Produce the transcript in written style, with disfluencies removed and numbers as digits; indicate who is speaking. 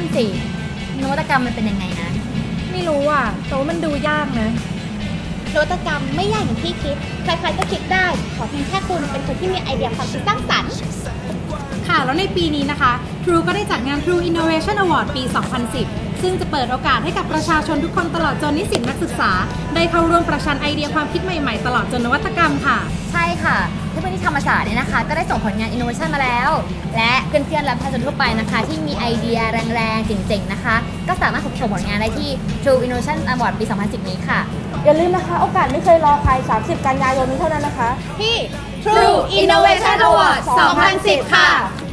Speaker 1: สินวัตกรรมมันเป็นยังไงนะ
Speaker 2: ไม่รู้อ่ะแต่ว่ามันดูยากนะ
Speaker 3: นวัตกรรมไม่ยากอย่างที่คิดใครๆก็คิดได้ขอเพียงแค่คุณเป็นคนที่มีไอเดียความคิดสร้างสรรค์
Speaker 2: ค่ะแล้วในปีนี้นะคะ True ก็ได้จัดงาน True Innovation Award ปี 2010 ซึ่งจะเปิดโอกาสให้กับประชาชนทุกคนตลอดจนนิสิตนักศึกษาได้เข้าร่วมประชันไอเดียความคิดใหม่ๆตลอดจนนวัตกรรมค่ะ
Speaker 1: ใช่ค่ะเพื่อนๆที่ธรรมศาสตร์เนี่ยนะคะก็ได้ส่งผลงาน Innovation มาแล้วและเพื่อนๆและประชาชนทั่วไปนะคะที่มีไอเดียแรงๆเจ๋งๆนะคะก็สามารถส่งผลงานได้ที่ True Innovation Award ปี 2010 นี้ค่ะ
Speaker 4: อย่าลืมนะคะโอกาสไม่เคยรอใคร30 กันยายนนี้เท่านั้นนะคะ
Speaker 3: ที่ True Innovation Award 2010 ค่ะ